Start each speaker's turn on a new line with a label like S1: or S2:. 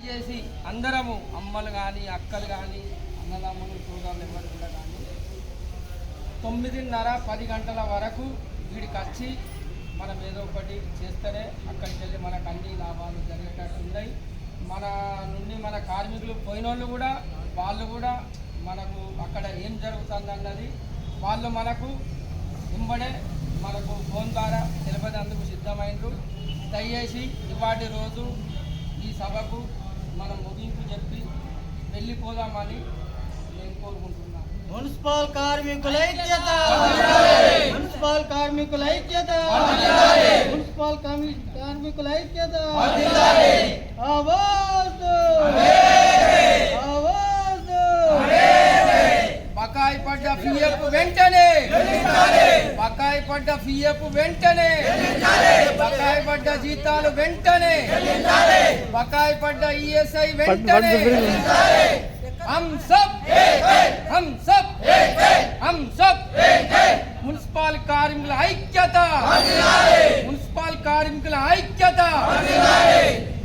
S1: దయచేసి అందరము అమ్మలు కానీ అక్కలు కానీ అన్నదమ్ములు సోదరులు ఎవరు కూడా కానీ 9:30-10 గంటల వరకు వీడికి వచ్చి మనం ఏదో ఒకటి చేస్తేనే అక్కడికి వెళ్ళి మనకు అన్ని లాభాలు జరిగేటట్టు ఉన్నాయి. మన నుండి మన కార్మికులు పోయినోళ్ళు కూడా వాళ్ళు కూడా మనకు అక్కడ ఏం జరుగుతుందన్నది వాళ్ళు మనకు వెంబడే మనకు ఫోన్ ద్వారా తెలిపేందుకు సిద్ధమైనరు. దయచేసి ఇవాటి రోజు ఈ సభకు మనం ముగింపు చెప్పి వెళ్ళిపోదామని నేను కోరుకుంటున్నాను.
S2: మున్సిపల్ కార్మికుల ఐక్యత, మున్సిపల్ కార్మికుల ఐక్యత, మున్సిపల్ కార్మికుల ఐక్యత. ఆవాజ్ ఆవాజ్.
S1: బకాయి పడ్డ పిఎఫ్ వెంటనే, బకాయి పడ్డ పిఎఫ్ వెంటనే, బకాయి పడ్డ జీతాలు వెంటనే, బకాయి పడ్డ ఈఎస్ఐ వెంటనే. हम सब మున్సిపల్ కార్మికుల ఐక్యత, మున్సిపల్ కార్మికుల ఐక్యత.